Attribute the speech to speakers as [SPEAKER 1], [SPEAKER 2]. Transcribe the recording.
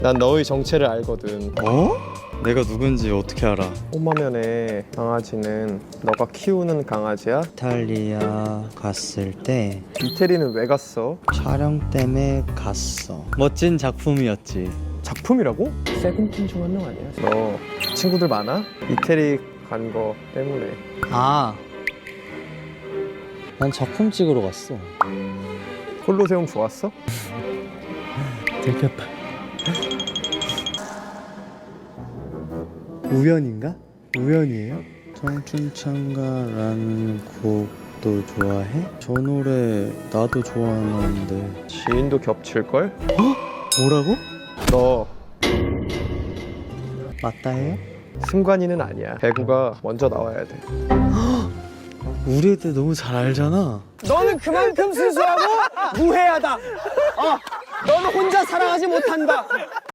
[SPEAKER 1] 난 너의 정체를 알거든.
[SPEAKER 2] 어? 내가 누군지 어떻게 알아?
[SPEAKER 1] 홈화면에 강아지는 너가 키우는 강아지야?
[SPEAKER 2] 이탈리아 갔을 때
[SPEAKER 1] 이태리는 왜 갔어?
[SPEAKER 2] 촬영 때문에 갔어. 멋진 작품이었지.
[SPEAKER 1] 작품이라고? 세븐틴 중 한 명 아니야? 너 친구들 많아? 이태리 간 거 때문에.
[SPEAKER 2] 아, 난 작품 찍으러 갔어.
[SPEAKER 1] 콜로세움 좋았어?
[SPEAKER 2] 들켰다. 우연인가? 우연이에요? 청춘창가라는 곡도 좋아해? 저 노래 나도 좋아하는데.
[SPEAKER 1] 지인도 겹칠걸?
[SPEAKER 2] 뭐라고?
[SPEAKER 1] 너
[SPEAKER 2] 맞다 해요?
[SPEAKER 1] 승관이는 아니야. 배구가 먼저 나와야 돼.
[SPEAKER 2] 우리 애들 너무 잘 알잖아.
[SPEAKER 3] 너는 그만큼 순수하고 무해하다. 너는 혼자 사랑하지 못한다.